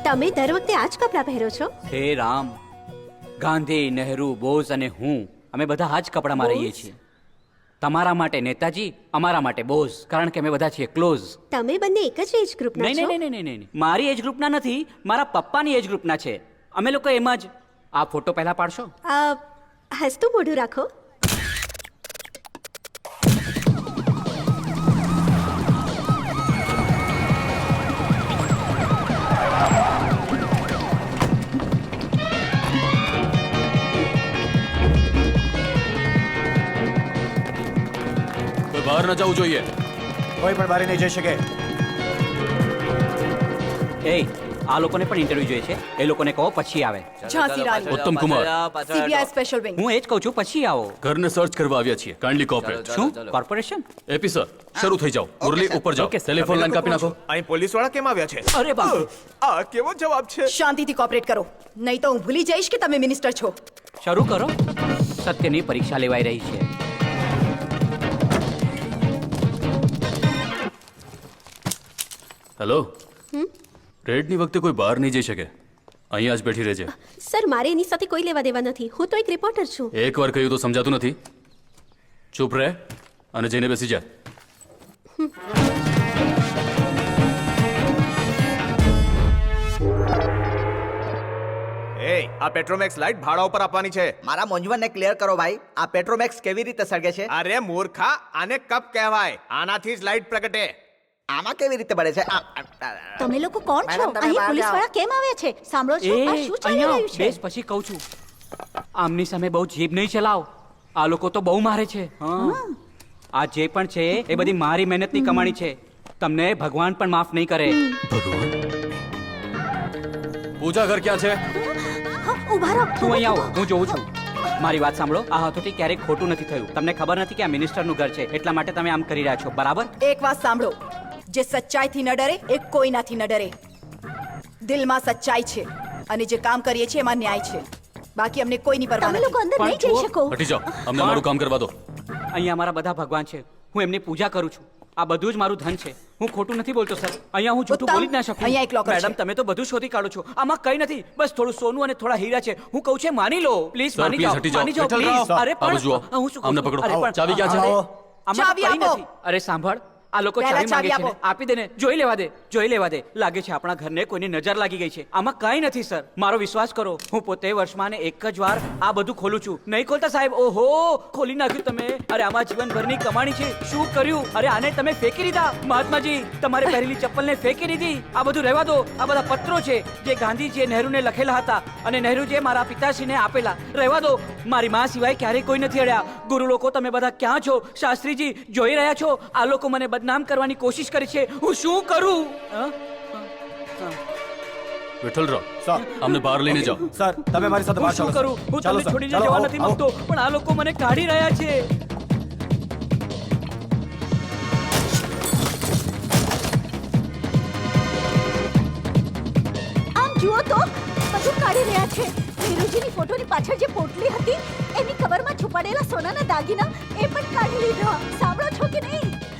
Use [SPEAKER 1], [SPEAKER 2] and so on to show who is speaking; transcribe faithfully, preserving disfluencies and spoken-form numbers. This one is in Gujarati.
[SPEAKER 1] તમે દર વખતે આ જ કપડાં પહેરો છો?
[SPEAKER 2] હે રામ, ગાંધી, નહેરુ, બોઝ અને હું અમે બધા આ જ કપડામાં રહીએ છીએ. તમારા માટે નેતાજી, અમારા માટે બોઝ, કારણ કે અમે બધા છીએ ક્લોઝ.
[SPEAKER 1] તમે બંને એક જ એજ ગ્રુપના
[SPEAKER 2] નહીં
[SPEAKER 1] છો?
[SPEAKER 2] નહીં નહીં નહીં નહીં મારી એજ ગ્રુપના નથી, મારા પપ્પાની એજ ગ્રુપના છે. અમે લોકો એમ જ. આ ફોટો પહેલા પાડશો?
[SPEAKER 1] આ હસતું મોઢું રાખો.
[SPEAKER 3] બહાર ન જવું જોઈએ.
[SPEAKER 4] કોઈ પણ બહાર નહીં જઈ શકે.
[SPEAKER 2] એ આ લોકોને પણ ઇન્ટરવ્યુ જોઈએ છે. એ લોકોને કહો પછી આવે.
[SPEAKER 5] ઝાંસી રાણી,
[SPEAKER 3] ઉત્તમ કુમાર,
[SPEAKER 5] સીબીઆઈ સ્પેશિયલ વિંગ.
[SPEAKER 2] હું એ જ કહું છું પછી આવો.
[SPEAKER 3] ઘરને સર્ચ કરવા આવ્યા છીએ. Kindly cooperate.
[SPEAKER 2] શું કોર્પોરેશન?
[SPEAKER 3] એપી સર, શરૂ થઈ જાઓ. મુરલી ઉપર જાઓ. ટેલિફોન લાઈન કાપી નાખો.
[SPEAKER 4] અહીં પોલીસ વાળા કેમ આવ્યા છે?
[SPEAKER 2] અરે બાપ,
[SPEAKER 4] આ કેવો જવાબ છે?
[SPEAKER 5] શાંતિથી કોઓપરેટ કરો, નહીં તો હું ભૂલી જઈશ કે તમે મિનિસ્ટર છો.
[SPEAKER 2] શરૂ કરો. સત્યની પરીક્ષા લેવાઈ રહી છે.
[SPEAKER 3] હેલો, રેડની વખતે કોઈ બહાર નહીં જઈ શકે. અહીંયા જ બેઠી રહેજે.
[SPEAKER 1] સર, મારે એની સાથે કોઈ લેવા દેવા નથી. હું તો એક રિપોર્ટર છું.
[SPEAKER 3] એક વાર કહ્યું તો સમજાતું નથી. ચૂપ રહે અને જઈને બેસી જા.
[SPEAKER 4] એ આ પેટ્રોમેક્સ લાઈટ ભાડા ઉપર આપવાની છે.
[SPEAKER 6] મારા મૂંઝવણને ક્લિયર કરો ભાઈ. આ પેટ્રોમેક્સ કેવી રીતે સળગે છે?
[SPEAKER 4] અરે મૂર્ખા, આને કપ કહેવાય. આનાથી જ લાઈટ પ્રગટે.
[SPEAKER 6] આમાં કેવી રીતે બળે છે? આ, આ, આ,
[SPEAKER 5] તમે લોકો કોણ છો?
[SPEAKER 6] મેડમ, તમે
[SPEAKER 5] અહીં
[SPEAKER 6] બહાર
[SPEAKER 5] પોલીસ
[SPEAKER 6] જાઓ.
[SPEAKER 5] વાળા કેમ આવ્યા છે? સાંભળો
[SPEAKER 2] એ
[SPEAKER 5] છો, આ શું ચાલી
[SPEAKER 2] અહીંયા
[SPEAKER 5] રહ્યું છે?
[SPEAKER 2] બેસ, પછી કહું છું. આમની સામે બહુ જીભ નહીં ચલાવ. આ લોકો તો બહુ મારે છે. હા. આ જે પણ છે એ બધી મારી મહેનતની કમાણી છે. તમને ભગવાન પણ માફ નહીં કરે.
[SPEAKER 3] ભગવાન, પૂજા ઘર ક્યાં છે?
[SPEAKER 5] હા, ઊભા રહો.
[SPEAKER 2] તું અહીં આવો, હું જોઉં છું. મારી વાત સાંભળો. આ હથોટી ક્યારેક ખોટું નથી થયું. તમને ખબર નથી કે આ મિનિસ્ટરનું ઘર છે, એટલા માટે તમે આમ કરી રહ્યા છો, બરાબર?
[SPEAKER 5] એક વાત સાંભળો, જે સચ્ચાઈથી ન ડરે એ કોઈનાથી ન ડરે. દિલમાં સચ્ચાઈ છે અને જે કામ કરીએ છીએ એમાં ન્યાય છે. બાકી અમને કોઈની પરવા
[SPEAKER 1] તમે લોકો
[SPEAKER 5] નથી.
[SPEAKER 1] અંદર નહીં જઈ શકો.
[SPEAKER 3] હટી જાઓ, અમને મારું કામ કરવા દો.
[SPEAKER 2] અહીંયા મારા બધા ભગવાન છે. હું એમની પૂજા કરું છું. આ બધું જ મારું ધન છે. હું ખોટું નથી બોલતો સર. અહીંયા હું જૂઠું
[SPEAKER 5] ઉત્તમ,
[SPEAKER 2] બોલી જ ના શકું.
[SPEAKER 5] અહીંયા એક locker છે.
[SPEAKER 2] મેડમ, તમે તો બધું શોધી કાઢો છો. આમાં કઈ નથી, બસ થોડું સોનું અને થોડા હીરા છે. હું કહું છું માની લો પ્લીઝ.
[SPEAKER 3] સર,
[SPEAKER 2] માની
[SPEAKER 3] please
[SPEAKER 2] જાઓ,
[SPEAKER 3] હટી જાઓ.
[SPEAKER 2] માની જાઓ
[SPEAKER 3] વિઠ્ઠલ
[SPEAKER 2] please.
[SPEAKER 3] રાવ,
[SPEAKER 2] અરે
[SPEAKER 3] આ બાજુ જુઓ.
[SPEAKER 2] પણ હું શું કહું
[SPEAKER 3] આમને
[SPEAKER 2] છું?
[SPEAKER 3] પકડો.
[SPEAKER 2] અરે પણ
[SPEAKER 3] ચાવી ક્યાં છે?
[SPEAKER 2] આમાં
[SPEAKER 5] ચાવી
[SPEAKER 2] કંઈ
[SPEAKER 5] આપો.
[SPEAKER 2] નથી. અરે સાંભળ, આ લોકો
[SPEAKER 5] પહેલા
[SPEAKER 2] ચાવી માંગે
[SPEAKER 5] ચાવી
[SPEAKER 2] છે ને.
[SPEAKER 5] આપો.
[SPEAKER 2] આપી દે ને. જોઈ લેવા દે, જોઈ લેવા દે. લાગે છે આપણા ઘરને કોઈની નજર લાગી ગઈ છે. આમાં કઈ નથી સર, મારો વિશ્વાસ કરો. હું પોતે વર્ષમાં ને એક જ વાર આ બધું ખોલું છું. નહીં ખોલતા સાહેબ? ઓહો, ખોલી નાખ્યું તમે. અરે આમાં જીવનભરની કમાણી છે. શું કર્યું? અરે આને તમે ફેંકી દીધા. મહાત્માજી, તમારે પહેરેલી ચપ્પલને ફેંકી દીધી. આ બધું રહેવા દો. આ બધા પત્રો છે જે ગાંધીજીએ નહેરુને લખેલા હતા અને નહેરુજીએ મારા પિતાશ્રીને આપેલા. રહેવા દો. મારી માં સિવાય ક્યારેય કોઈ નથી અડ્યા. ગુરુ લોકો, તમે બધા ક્યાં છો? શાસ્ત્રીજી, જોઈ રહ્યા છો? આ લોકો મને બદનામ કરવાની કોશિશ કરી છે. હું શું કરું? હા?
[SPEAKER 3] વિઠ્ઠલ રાવ, સર, અમને બહાર લઈને જાઓ.
[SPEAKER 4] સર, તમે મારી સાથે
[SPEAKER 2] હું
[SPEAKER 4] બહાર
[SPEAKER 2] શું
[SPEAKER 4] ચાલો,
[SPEAKER 2] કરું?
[SPEAKER 4] સર.
[SPEAKER 2] હું
[SPEAKER 4] ચાલો,
[SPEAKER 2] તમને
[SPEAKER 4] સર.
[SPEAKER 2] છોડીને
[SPEAKER 4] ચાલો,
[SPEAKER 2] જવા
[SPEAKER 4] આવો,
[SPEAKER 2] નથી
[SPEAKER 4] આવો.
[SPEAKER 2] માંગતો, પણ આ લોકો મને કાઢી રહ્યા છે.
[SPEAKER 5] આમ જુઓ તો, બધું કાઢી રહ્યા છે. નીરુજીની ફોટોની પાછળ જે પોટલી હતી એની કવરમાં છુપાડેલા સોનાના દાગીના એ પણ કાઢી લીધા. સાંભળો છો કે નહીં?